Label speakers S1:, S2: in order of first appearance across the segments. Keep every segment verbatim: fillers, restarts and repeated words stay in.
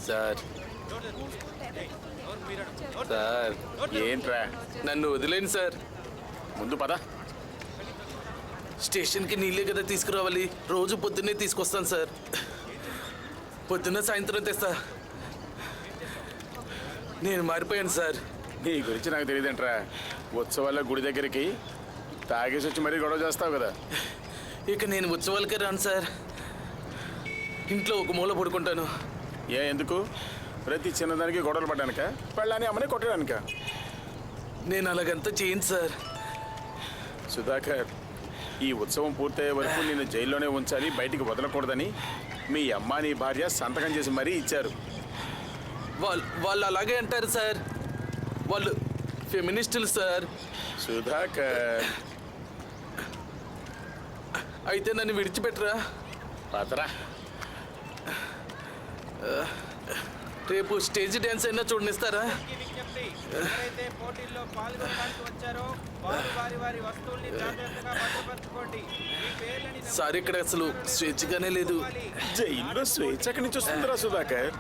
S1: Sir sir
S2: ఏంట్రా?
S1: నన్ను వదిలేండి సార్.
S2: ముందు పద.
S1: స్టేషన్కి నీళ్ళే కదా తీసుకురావాలి. రోజు పొద్దున్నే తీసుకొస్తాను సార్. పొద్దున్న సాయంత్రం తెస్తా. నేను మారిపోయాను సార్.
S2: నీ గురించి నాకు తెలియదంట్రా. ఉత్సవాల్లో గుడి దగ్గరికి తాగేసి వచ్చి మరీ గొడవ చేస్తావు కదా.
S1: ఇక నేను ఉత్సవాలకే రాను సార్. ఇంట్లో ఒక మూల పడుకుంటాను.
S2: ఏ ఎందుకు? ప్రతి చిన్నదానికి గొడవలు పడ్డానిక? పెళ్ళాన్ని అమ్మని కొట్టడానిక?
S1: నేను అలాగంతా చేయను సార్.
S2: సుధాకర్, ఈ ఉత్సవం పూర్తయ్యే వరకు నేను జైల్లోనే ఉంచాలి, బయటికి వదలకూడదని మీ అమ్మ నీ భార్య సంతకం చేసి మరీ ఇచ్చారు.
S1: వాళ్ళు వాళ్ళు అలాగే అంటారు సార్. వాళ్ళు ఫెమినిస్టులు సార్.
S2: సుధాకర్,
S1: అయితే నన్ను విడిచిపెట్టరా?
S2: పదరా.
S1: రేపు స్టేజ్ డ్యాన్స్ అయినా చూడనిస్తారా? సార్ ఇక్కడ అసలు స్వేచ్ఛగానే లేదు.
S2: జైల్లో స్వేచ్ఛ ఎక్కడి నుంచి వస్తుందిరా సుధాకర్?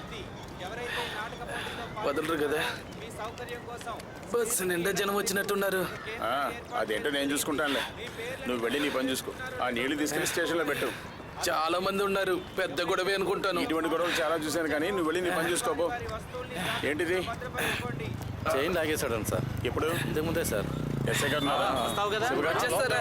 S1: వదలరు కదా. బస్సు నిండా జనం వచ్చినట్టున్నారు.
S2: అదేంటో నేను చూసుకుంటానులే, నువ్వు వెళ్ళి నీ పని చూసుకో. ఆ నీళ్లు తీసుకెళ్లి స్టేషన్లో పెట్టు.
S1: చాలా మంది ఉన్నారు, పెద్ద గొడవే అనుకుంటాను.
S2: ఇటువంటి గొడవలు చాలా చూశాను, కానీ నువ్వు వెళ్ళి నీ పని చూసుకోపో. ఏంటిది?
S3: చైన్ లాగేశాడు సార్.
S2: ఎప్పుడు?
S3: ఇంతకు ముందే సార్.
S2: ఎస్ఐ గారు ఉన్నారా?
S1: వచ్చేస్తారా?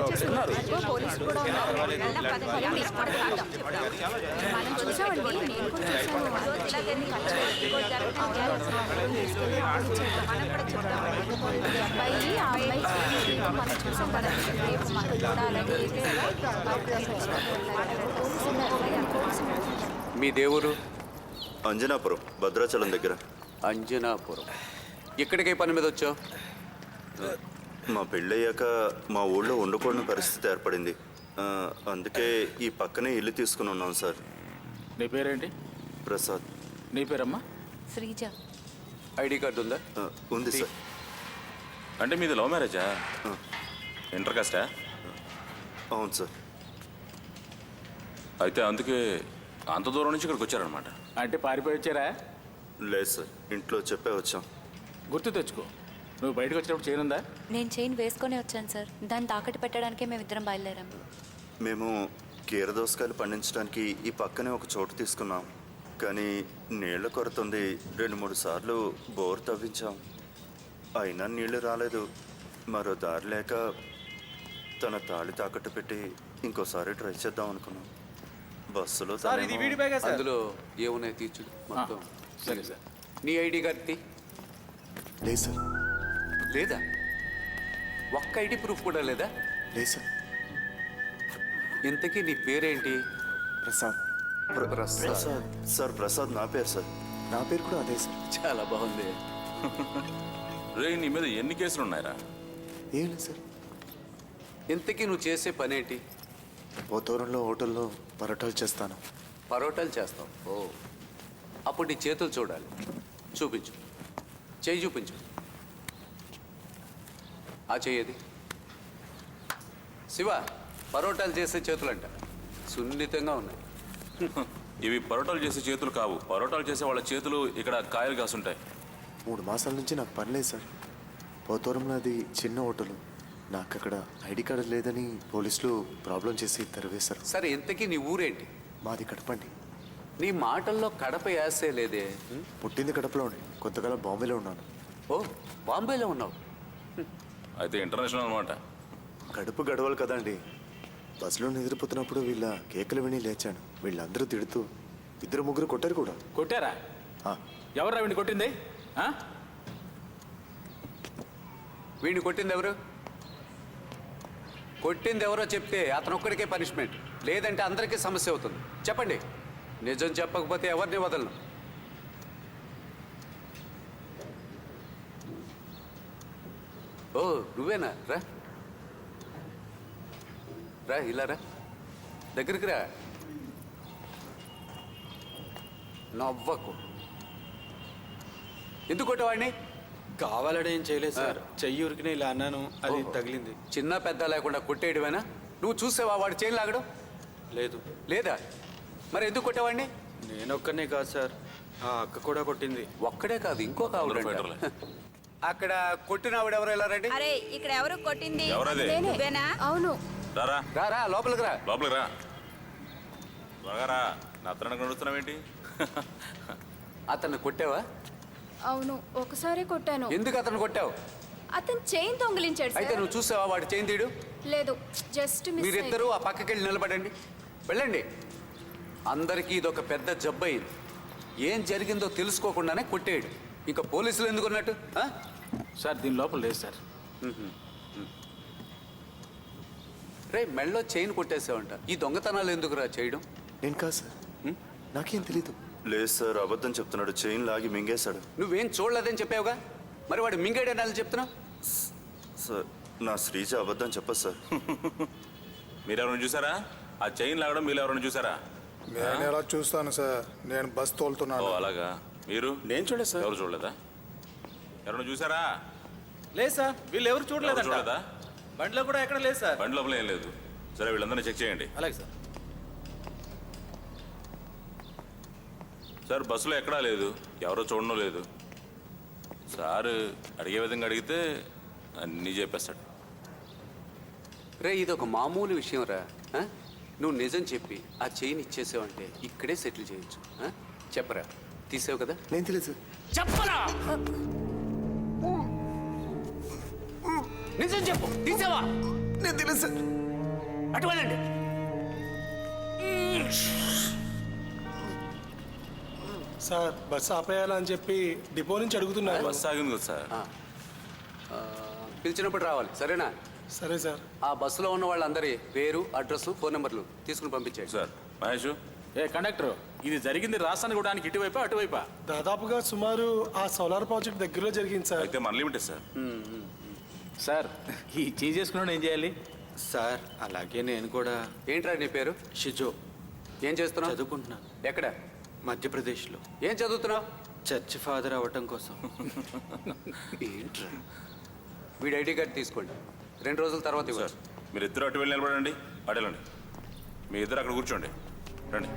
S4: మీ దేవురు?
S5: అంజనాపురం, భద్రాచలం దగ్గర.
S4: అంజనాపురం. ఇక్కడికే పని మీద వచ్చావు?
S5: మా పెళ్ళయ్యాక మా ఊళ్ళో ఉండకూడని పరిస్థితి ఏర్పడింది. అందుకే ఈ పక్కనే ఇల్లు తీసుకుని ఉన్నాం సార్.
S2: నీ పేరేంటి?
S5: ప్రసాద్.
S2: నీ పేరమ్మా?
S6: శ్రీజ.
S4: ఐడి కార్డు ఉందా?
S5: ఉంది సార్.
S7: అంటే మీది లవ్ మ్యారేజా? ఇంటర్ కాస్టా?
S5: అవును సార్.
S7: అయితే అందుకే అంత దూరం నుంచి ఇక్కడికి వచ్చారనమాట.
S2: అంటే పారిపోయి వచ్చారా?
S5: లేదు సార్, ఇంట్లో చెప్పే వచ్చాం.
S2: గుర్తు తెచ్చుకో. నువ్వు బయటకు వచ్చినప్పుడు చైన్ ఉందా?
S6: నేను చైన్ వేసుకొని వచ్చాను సార్. దాన్ని తాకట్టు పెట్టడానికే మేము ఇద్దరం బయలుదేరాం.
S5: మేము కీరదోసకాయలు పండించడానికి ఈ పక్కనే ఒక చోటు తీసుకున్నాం, కానీ నీళ్ల కొరత ఉంది. రెండు మూడు సార్లు బోర్ తవ్వించాం, అయినా నీళ్లు రాలేదు. మరో దారి లేక తన తాళి తాకట్టు పెట్టి ఇంకోసారి ట్రై చేద్దాం అనుకున్నాం. బస్సులో
S4: అందులో ఏమున్నాయి తీర్చుడు మొత్తం.
S2: సరే సార్.
S4: నీ ఐడి కార్డు తీ.
S8: లేదు సార్.
S4: లేదా? ఒక్క ఐడి ప్రూఫ్ కూడా లేదా?
S8: లేదు సార్.
S4: ఇంతకీ నీ పేరేంటి?
S8: ప్రసాద్.
S5: ప్రసాద్ సార్. ప్రసాద్ నా పేరు సార్.
S8: నా పేరు కూడా అదే సార్.
S4: చాలా బాగుంది.
S7: రే, నీ మీద ఎన్ని కేసులు ఉన్నాయరా?
S8: ఏం లేదు సార్.
S4: ఇంతకీ నువ్వు చేసే పనేంటి?
S8: పోతూరంలో హోటల్లో పరోటాలు చేస్తాను.
S4: పరోటాలు చేస్తావు? ఓ, అప్పుడు నీ చేతులు చూడాలి. చూపించు, చేయి చూపించు. ఆ చెయ్యది. శివ, పరోటాలు చేసే చేతులంట సున్నితంగా ఉన్నాయి.
S7: ఇవి పరోటాలు చేసే చేతులు కావు. పరోటాలు చేసే వాళ్ళ చేతులు ఇక్కడ కాయలు కాసుంటాయి.
S8: మూడు మాసాల నుంచి నాకు పని లేదు సార్. పోతూరంలో అది చిన్న హోటలు. నాకు అక్కడ ఐడి కార్డు లేదని పోలీసులు ప్రాబ్లం చేసి తరివేశారు.
S4: సరే, ఇంతకీ నీ ఊరేంటి?
S8: మాది కడపండి.
S4: నీ మాటల్లో కడప యాసే లేదే.
S8: పుట్టింది కడపలోనే, కొంతకాలం బాంబేలో ఉన్నాను.
S4: ఓ, బాంబేలో ఉన్నావు.
S7: అయితే ఇంటర్నేషనల్ అనమాట.
S8: కడుపు గడవలు కదండి. బస్సులో నిద్రపోతున్నప్పుడు వీళ్ళ కేకలు విని లేచాను. వీళ్ళందరూ తిడుతూ ఇద్దరు ముగ్గురు కొట్టారు కూడా.
S2: కొట్టారా? ఎవరా వీడిని కొట్టింది?
S4: వీడిని కొట్టింది ఎవరు? కొట్టింది ఎవరో చెప్తే అతను ఒక్కడికే పనిష్మెంట్, లేదంటే అందరికీ సమస్య అవుతుంది. చెప్పండి. నిజం చెప్పకపోతే ఎవరిని వదలను. ఓ, నువ్వేనా? రా రా, ఇలా రా, దగ్గరికి రా. నవ్వకు. ఎందుకు కొట్టేవాడిని?
S3: కావాలని ఏం చేయలేదు సార్. చెయ్యి ఉరికిన ఇలా అన్నాను, అది తగిలింది.
S4: చిన్న పెద్ద లేకుండా కొట్టేయడమేనా? నువ్వు చూసావా వాడు చైన్ లాగడం?
S3: లేదు.
S4: లేదా? మరి ఎందుకు కొట్టేవాడిని?
S3: నేను ఒక్కనే కాదు సార్, ఆ అక్క కూడా కొట్టింది.
S4: ఒక్కడే కాదు ఇంకొక ఆవిడ అంట.
S7: ఫైటర్లే.
S4: అక్కడ కొట్టిన ఆవిడ ఎవరు ఎలా రండి?
S9: అరే ఇక్కడ ఎవరు కొట్టింది?
S7: ఎవరది?
S9: నువ్వేనా?
S6: అవును.
S7: రారా
S4: రా రా లోపలికి రా.
S7: లోపలికి రా త్వరగా రా. నా అత్తడానికి నడుస్తున్నావేంటి?
S4: అతన్ని కొట్టావా?
S6: అవును, ఒకసారి కొట్టాను.
S4: ఎందుకు అతను కొట్టావు?
S6: అతను చైన్ దొంగిలించాడు
S4: అయితే
S6: సార్.
S4: నువ్వు చూసావా వాడు చేయి తీయడు?
S6: లేదు, జస్ట్ మిస్
S4: మీరిద్దరూ ఆ పక్కకి వెళ్ళి నిలబడండి. వెళ్ళండి. అందరికీ ఇదొక పెద్ద జబ్బు అయింది. ఏం జరిగిందో తెలుసుకోకుండానే కొట్టేయడు. ఇంకా పోలీసులు ఎందుకు ఉన్నట్టు? ఆ?
S3: సార్ దీని లోపల లేదు సార్.
S4: రే మెళ్ళో చైన్ కొట్టేసావంట. ఈ దొంగతనాలు ఎందుకురా చేయడం?
S8: నేను కాదు సార్, నాకేం తెలీదు.
S5: లేదు సార్, అబద్ధం చెప్తున్నాడు. చైన్ లాగి మింగేశాడు.
S4: నువ్వేం చూడలేదని చెప్పావుగా, మరి వాడు మింగాడని అలా చెప్తున్నావు?
S5: సార్, నా శ్రీజ అబద్ధం చెప్పదు సార్.
S7: మీరెవరైనా చూసారా? ఆ చైన్ లాగడం మీరు ఎవరైనా చూసారా?
S10: నేను ఎలా చూస్తాను సార్, నేను బస్
S7: ఓ
S10: తోలుతున్నాను.
S7: అలాగా. మీరు
S2: నేను చూడలేదు సార్.
S7: ఎవరు చూడలేదా? ఎవరైనా చూసారా?
S3: లేదు సార్, వీళ్ళు ఎవరు
S7: ఎవరు
S3: చూడలేదంట.
S7: చూడలేదా?
S3: బండిలో కూడా ఎక్కడ లేదు సార్.
S7: బండి లోపల ఏం లేదు. సరే వీళ్ళందరినీ చెక్ చేయండి.
S3: అలాగే సార్.
S7: సార్ బస్సులో ఎక్కడా లేదు, ఎవరో చూడడం లేదు. సార్ అడిగే విధంగా అడిగితే అన్నీ చెప్పేస్తాడు.
S4: రే ఇదొక మామూలు విషయం రా. ఆ? నువ్వు నిజం చెప్పి ఆ చైన్ ఇచ్చేసావంటే ఇక్కడే సెటిల్ చేయొచ్చు. ఆ? చెప్పరా, తీసావు కదా?
S8: నేను తెలియదు సార్.
S4: చెప్పరా, నిజం చెప్పు. తీసావా?
S8: నేను తెలియదు సార్.
S4: అటు వెళ్ళండి.
S10: సార్, బస్ ఆపేయాలని చెప్పి డిపో నుంచి అడుగుతున్నారు.
S7: బస్సు ఆగింది కదా సార్.
S4: ఆ, పిలిచినప్పుడు రావాలి, సరేనా?
S10: సరే సార్.
S4: ఆ బస్సులో ఉన్న వాళ్ళందరి పేరు, అడ్రస్, ఫోన్ నెంబర్లు తీసుకుని పంపించేయండి.
S7: సార్ మహేష్,
S3: ఏ కండక్టర్, ఇది జరిగింది రాజస్థాన్ కూడా ఇటువైపా అటువైపా?
S10: దాదాపుగా సుమారు ఆ సోలార్ ప్రాజెక్ట్ దగ్గరలో జరిగింది సార్.
S7: అయితే మన లిమిటే సార్.
S3: సార్ ఈ చేంజ్ చేసుకున్నాడు ఏం చేయాలి? సార్ అలాగే నేను కూడా.
S4: ఏంట్రా నీ పేరు?
S3: షిజో.
S4: ఏం చేస్తున్నావు?
S3: చదువుకుంటున్నాను
S4: ఎక్కడ?
S3: మధ్యప్రదేశ్లో.
S4: ఏం చదువుతున్నావు?
S3: చర్చ్ ఫాదర్ అవ్వటం కోసం.
S4: ఏంట్రా? వీడి ఐడి కార్డు తీసుకోండి, రెండు రోజుల తర్వాత
S7: సార్
S4: ఇవ్వచ్చు.
S7: మీరు ఇద్దరు అటు వెళ్ళి నిలబడండి. అటు వెళ్ళండి. మీ ఇద్దరు అక్కడ కూర్చోండి. రండి.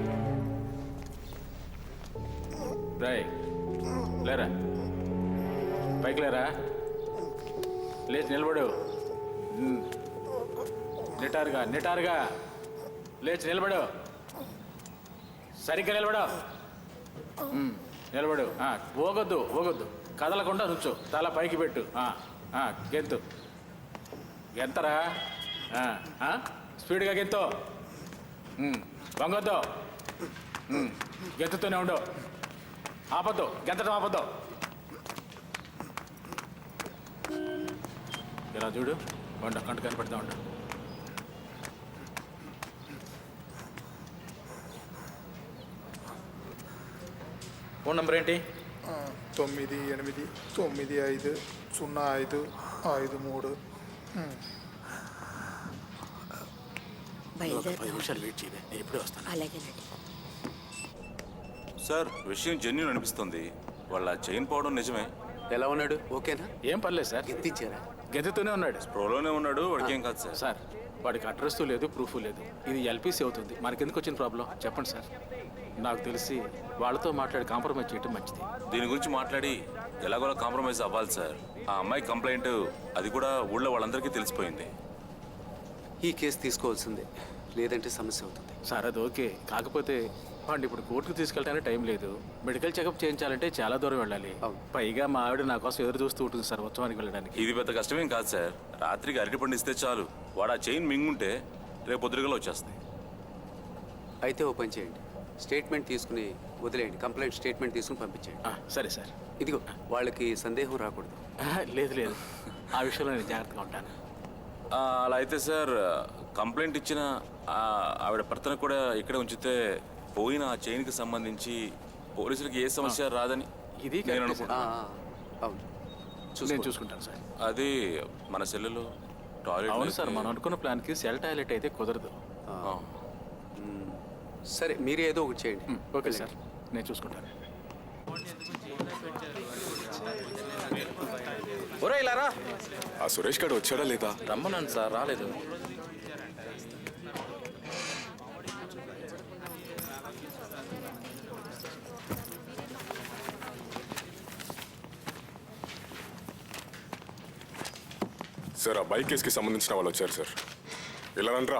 S3: రాయ్ లేరా, పైకి లేరా, లేచి నిలబడు. ఉమ్. నిటారుగా నిటారుగా లేచి నిలబడు. సరిగ్గా నిలబడు. ఉమ్, నిలబడు. ఆ, ఊగొద్దు ఊగొద్దు, కదలకుండా నుంచో. తల పైకి పెట్టు. ఆ, ఆ, గెంతు గెంతరా. ఆ, ఆ, స్పీడ్గా గెంతు. ఉమ్, వంగొద్దు. ఉమ్, గెంతుతూనే ఉండు. ఆపద్దు, గెంతడం ఆపద్దు. ఇలా చూడు, వంట కంట కనిపెడతా ఉంటా. ఫోన్ నంబర్ ఏంటి?
S10: తొమ్మిది ఎనిమిది తొమ్మిది ఐదు సున్నా ఐదు ఐదు మూడు.
S3: పది నిమిషాలు వెయిట్ చేయలే, నేను ఇప్పుడే వస్తాను.
S9: అలాగేనండి.
S7: సార్ విషయం జెన్యున్ అనిపిస్తుంది. వాళ్ళ చైన్ పోవడం నిజమే.
S4: ఎలా ఉన్నాడు? ఓకేనా?
S3: ఏం పర్లేదు సార్,
S4: ఎత్తిచ్చారా?
S3: గెంతుతూనే ఉన్నాడు.
S7: ప్రోలోనే ఉన్నాడు. వాడికి ఏం కాదు సార్.
S3: సార్ వాడికి అడ్రస్ లేదు, ప్రూఫ్ లేదు. ఇది ఎల్పీసీ అవుతుంది. మనకెందుకు వచ్చిన ప్రాబ్లం చెప్పండి సార్. నాకు తెలిసి వాళ్ళతో మాట్లాడి కాంప్రమైజ్ చేయడం మంచిది.
S7: దీని గురించి మాట్లాడి ఎలాగోలా కాంప్రమైజ్ అవ్వాలి సార్. ఆ అమ్మాయి కంప్లైంట్ అది కూడా ఊళ్ళో వాళ్ళందరికీ తెలిసిపోయింది.
S4: ఈ కేసు తీసుకోవాల్సిందే, లేదంటే సమస్య అవుతుంది.
S3: సార్ అది ఓకే, కాకపోతే వాడిని ఇప్పుడు కోర్టుకు తీసుకెళ్ళడానికి టైం లేదు. మెడికల్ చెకప్ చేయించాలంటే చాలా దూరం వెళ్ళాలి.
S4: అవును.
S3: పైగా మా ఆవిడ నా కోసం ఎదురు చూస్తూ ఉంటుంది సార్ ఉత్సవానికి వెళ్ళడానికి.
S7: ఇది పెద్ద కష్టమేం కాదు సార్. రాత్రికి అరటి పండిస్తే చాలు. వాడు ఆ చైన్ మింగుంటే రేపు పొద్దుగల వచ్చేస్తాయి.
S4: అయితే ఓ పని చేయండి, స్టేట్మెంట్ తీసుకుని వదిలేయండి. కంప్లైంట్ స్టేట్మెంట్ తీసుకుని పంపించేయండి.
S3: ఆ, సరే సార్.
S4: ఇదిగో వాళ్ళకి సందేహం రాకూడదు.
S3: ఆహా, లేదు లేదు, ఆ విషయంలో నేను జాగ్రత్తగా ఉంటాను.
S7: ఆ, అలా అయితే సార్ కంప్లైంట్ ఇచ్చిన ఆ ఆవిడ భర్తను కూడా ఇక్కడే ఉంచితే పోయిన ఆ చైన్కి సంబంధించి పోలీసులకి ఏ సమస్య రాదని
S3: ఇది
S7: నేను
S3: కరెక్టే
S4: ఆ,
S7: అనుకుంటున్నాను.
S4: ఆ, అవును,
S3: నేను
S4: చూసుకోండి.
S3: చూసుకుంటాను సార్.
S7: అది మన సెల్లులో
S3: అవును
S7: టాయిలెట్
S3: సార్, మనం అనుకున్న ప్లాన్కి సెల్ టాయిలెట్ అయితే కుదరదు.
S4: సరే మీరు ఏదో ఒకటి చేయండి.
S3: ఉమ్, ఓకే సార్, నేను చూసుకుంటాను.
S1: ఒరే ఇలా రా.
S8: ఆ సురేష్ గారు వచ్చాడా లేదా?
S1: రమ్మన్నాను సార్, రాలేదు.
S9: సార్ ఆ బైక్ కేసుకి సంబంధించిన వాళ్ళు వచ్చారు సార్. ఇలా రండ్రా.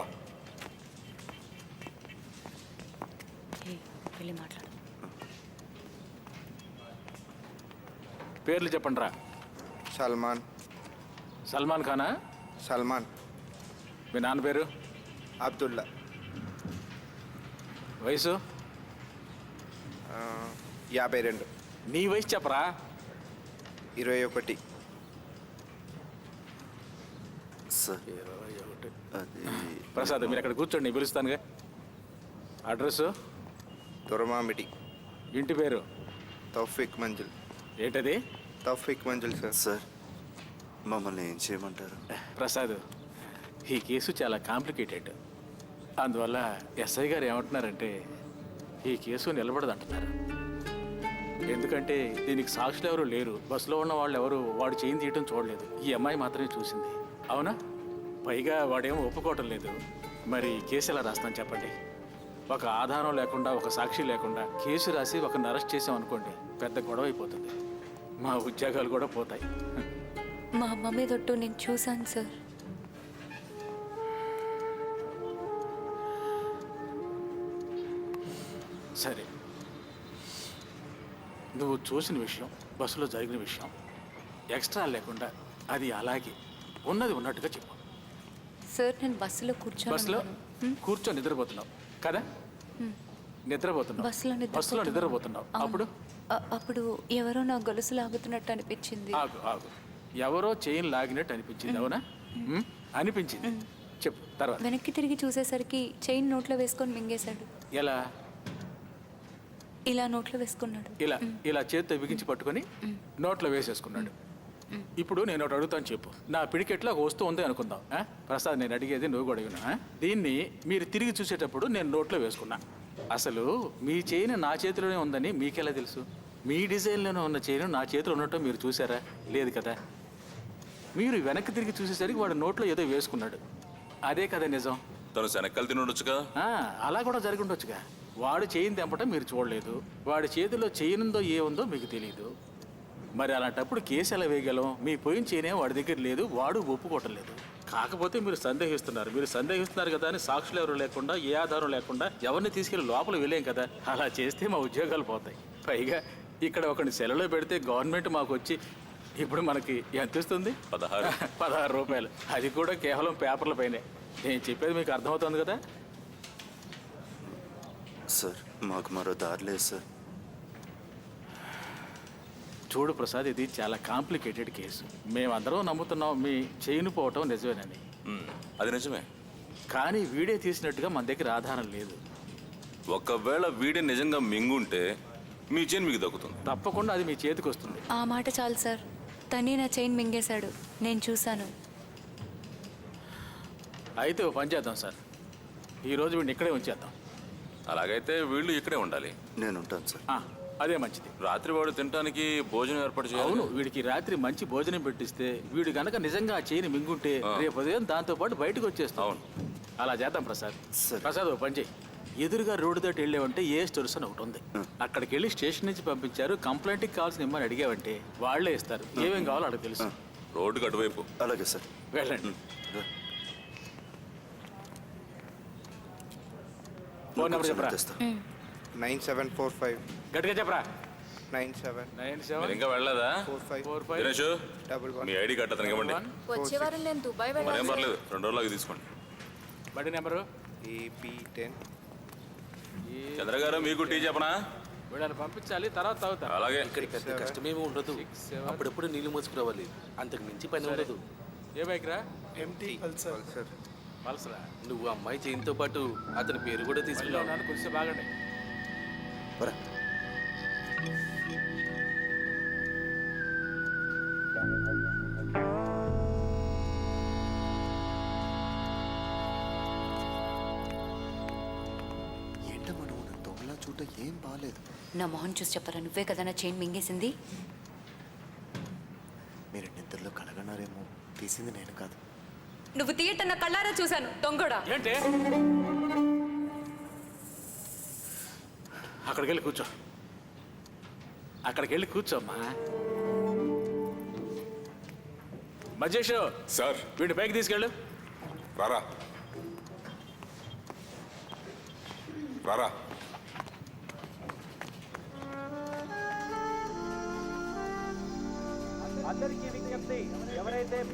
S6: వెళ్ళి మాట్లాడు.
S3: పేర్లు చెప్పండి రా.
S10: సల్మాన్
S3: సల్మాన్ ఖానా?
S10: సల్మాన్
S3: మీ నాన్న పేరు?
S10: అబ్దుల్లా.
S3: వయసు?
S10: యాభై రెండు.
S3: నీ వయసు చెప్పరా.
S10: ఇరవై ఒకటి.
S5: సార్ అది
S3: ప్రసాద్ మీరు అక్కడ కూర్చోండి, నేను పిలుస్తానుగా. అడ్రస్?
S10: దురమామిడి.
S3: ఇంటి పేరు?
S10: తౌఫిక్ మంజిల్.
S3: ఏంటది?
S10: తౌఫిక్ మంజిల్ సార్.
S5: సార్ మమ్మల్ని ఏం చేయమంటారు?
S3: ప్రసాద్, ఈ కేసు చాలా కాంప్లికేటెడ్. అందువల్ల ఎస్ఐ గారు ఏమంటున్నారంటే ఈ కేసు నిలబడదు అంటున్నారు. ఎందుకంటే దీనికి సాక్షులు ఎవరు లేరు, బస్సులో ఉన్న వాళ్ళు ఎవరు వాడు చేయి తీయటం చూడలేదు. ఈ అమ్మాయి మాత్రమే చూసింది. అవునా? పైగా వాడేమో ఒప్పుకోవటం లేదు. మరి కేసు ఎలా రాస్తాను చెప్పండి? ఒక ఆధారం లేకుండా, ఒక సాక్షి లేకుండా కేసు రాసి ఒకరిని అరెస్ట్ చేసామనుకోండి, పెద్ద గొడవ అయిపోతుంది. మా ఉద్యోగాలు కూడా పోతాయి.
S6: మా మమ్మీ తొట్టు నేను చూశాను సార్.
S3: సరే, నువ్వు చూసిన విషయం, బస్సులో జరిగిన విషయం ఎక్స్ట్రా లేకుండా అది అలాగే ఉన్నది ఉన్నట్టుగా చెప్పు.
S6: సార్ నేను బస్సులో కూర్చొని
S3: బస్సులో
S6: ఉన్నాను.
S3: కూర్చొని నిద్రపోతున్నావు కదా? నిద్రపోతున్నావు.
S6: బస్సులో నిద్రపోతున్నా.
S3: బస్సులో నిద్రపోతున్నావు.
S6: అవును.
S3: అప్పుడు
S6: అ- అప్పుడు ఎవరో నా గొలుసు లాగుతున్నట్టు అనిపించింది.
S3: ఆగు ఆగు ఎవరో చైన్ లాగినట్టు అనిపించింది. అవునా? ఉమ్, అనిపించింది. చెప్పు తర్వాత.
S6: వెనక్కి తిరిగి చూసేసరికి చైన్ నోట్లో వేసుకొని మింగేశాడు.
S3: ఎలా?
S6: ఇలా నోట్లో వేసుకున్నాడు.
S3: ఇలా ఇలా చేత్తో బిగించి పట్టుకొని నోట్లో వేసేసుకున్నాడు. ఇప్పుడు నేను ఒకటి అడుగుతాను, చెప్పు. నా పిడికెట్లో ఒక వస్తువు ఉంది అనుకుందాం. ఆ? ప్రసాద్, నేను అడిగేది నువ్వు కూడా అడిగినా. దీన్ని మీరు తిరిగి చూసేటప్పుడు నేను నోట్లో వేసుకున్నా. అసలు మీ చైన్ నా చేతిలోనే ఉందని మీకెలా తెలుసు? మీ డిజైన్లోనే ఉన్న చైన్ నా చేతిలో ఉన్నట్టు మీరు చూసారా? లేదు కదా. మీరు వెనక్కి తిరిగి చూసేసరికి వాడు నోట్లో ఏదో వేసుకున్నాడు. అదే కదా నిజం.
S7: తను శనక్కలు తిని ఉండొచ్చుగా.
S3: ఆ, అలా కూడా జరిగి ఉండొచ్చుగా. వాడు చైన్ తెంపటం మీరు చూడలేదు, వాడి చేతిలో చైన్ ఉందో ఏ ఉందో మీకు తెలియదు. మరి అలాంటప్పుడు కేసు ఎలా వేయగలం? మీ పోయిన చైనే వాడి దగ్గర లేదు, వాడు ఒప్పుకోవటం లేదు. కాకపోతే మీరు సందేహిస్తున్నారు. మీరు సందేహిస్తున్నారు కదా అని సాక్షులు ఎవరు లేకుండా, ఏ ఆధారం లేకుండా ఎవరిని తీసుకెళ్లి లోపల వెళ్ళేం కదా. అలా చేస్తే మా ఉద్యోగాలు పోతాయి. పైగా ఇక్కడ ఒకరిని సెలలో పెడితే గవర్నమెంట్ మాకు వచ్చి ఇప్పుడు మనకి ఎంత ఇస్తుంది?
S7: పదహారు
S3: పదహారు రూపాయలు. అది కూడా కేవలం పేపర్ల పైనే. నేను చెప్పేది మీకు అర్థమవుతుంది కదా?
S5: సార్ మాకు మరో దారి లేదు సార్.
S3: చూడు ప్రసాద్, ఇది చాలా కాంప్లికేటెడ్ కేసు. మేమందరం నమ్ముతున్నాం మీ చైన్ పోవటం నిజమేనని.
S7: ఉమ్, అది నిజమే.
S3: కానీ వీడే తీసినట్టుగా మన దగ్గర ఆధారం లేదు.
S7: ఒకవేళ వీడి నిజంగా మింగుంటే మీ చైన్ మీకు దక్కుతుంది.
S3: తప్పకుండా అది మీ చేతికి వస్తుంది.
S6: ఆ మాట చాలు సార్. తనే నా చైన్ మింగేశాడు, నేను చూశాను.
S3: అయితే ఓ పని చేద్దాం సార్, ఈరోజు వీడిని ఇక్కడే ఉంచేద్దాం.
S7: అలాగైతే వీళ్ళు ఇక్కడే ఉండాలి.
S5: నేను ఉంటాను సార్.
S3: ఆ, అదే మంచిది.
S7: రాత్రి వాడు తినడానికి భోజనం ఏర్పాటు చేయాలి.
S3: అవును, వీడికి రాత్రి మంచి భోజనం పెట్టిస్తే వీడు గనక నిజంగా ఆ చైన్ మింగుంటే రేపు ఉదయం దాంతో పాటు బయటకు వచ్చేస్తాం.
S7: అవును.
S3: అలా చేద్దాం ప్రసాద్.
S5: సరే.
S3: ప్రసాద్, ఓ పని చేయి. ఎదురుగా రోడ్డు దాటి వెళ్ళావంటే ఏ స్టోర్స్ అని ఒకటి ఉంది. అక్కడికి వెళ్ళి స్టేషన్ నుంచి పంపించారు, కంప్లైంట్కి కావాల్సిన ఇమ్మని అడిగావంటే వాళ్ళే ఇస్తారు. ఏమేం కావాలో అక్కడికి తెలుసు.
S7: రోడ్డుకి అటువైపు.
S5: అలాగే సార్.
S3: వెళ్ళండి.
S5: రా.
S3: ఫోన్ నెంబర్ చెప్పరా.
S5: తెస్తా.
S10: నైన్ సెవెన్ ఫోర్ ఫైవ్
S3: గట్టిగా చెప్పరా.
S10: నైన్ సెవెన్
S3: నైన్
S7: మీరు
S3: సెవెన్
S7: ఇంకా వెళ్ళలేదా?
S10: Four five
S3: four five
S7: Dinesh,
S10: double one
S7: మీ ఐడి కార్డు అతనికి ఇవ్వండి.
S6: వచ్చే వారం నేను దుబాయ్
S7: మరేం
S6: వెళ్ళాలి.
S7: పర్లేదు, రెండు రోజులకి తీసుకోండి.
S3: బడి నెంబరు.
S10: AP ten.
S7: చంద్ర గారు, మీకు టీ చెప్పనా?
S3: వీళ్ళని పంపించాలి, తర్వాత తాగుతారు.
S7: అలాగే.
S1: ఇక్కడ పెద్ద కష్టమేమీ ఉండదు.
S3: seven.
S1: అప్పుడప్పుడు నీళ్లు మోసుకురావాలి, అంతకు మించి పని ఉండదు.
S3: ఏ బైక్ రా?
S10: ఎంటీ పల్సర్. పల్సర్.
S3: పల్సరా.
S1: నువ్వు అమ్మాయి చైన్తో పాటు అతని పేరు కూడా
S3: మళ్ళీ
S1: తీసుకున్నావు.
S3: ఉన్నాను, కొంచెం బాగండి.
S8: పరా. ఏంటమ్మా నువ్వు నన్ను దొంగలా చూడ ఏం బాగాలేదు.
S6: నా మొహం చూసి చెప్పరా, నువ్వే కదా నా చైన్ మింగేసింది.
S8: మీరు నిద్రలో కలగన్నారేమో, తీసింది నేను కాదు.
S6: నువ్వు తీయట నా కళ్ళారా చూశాను, దొంగడా.
S3: ఏంటి? అక్కడికి వెళ్ళి కూర్చో. అక్కడికి వెళ్ళి కూర్చోమ్మా. మజేష్
S9: సార్
S3: వీడిని పైకి తీసుకెళ్ళు.
S9: రారా రారా
S11: అందరికీ విజ్ఞప్తి, ఎవరైతే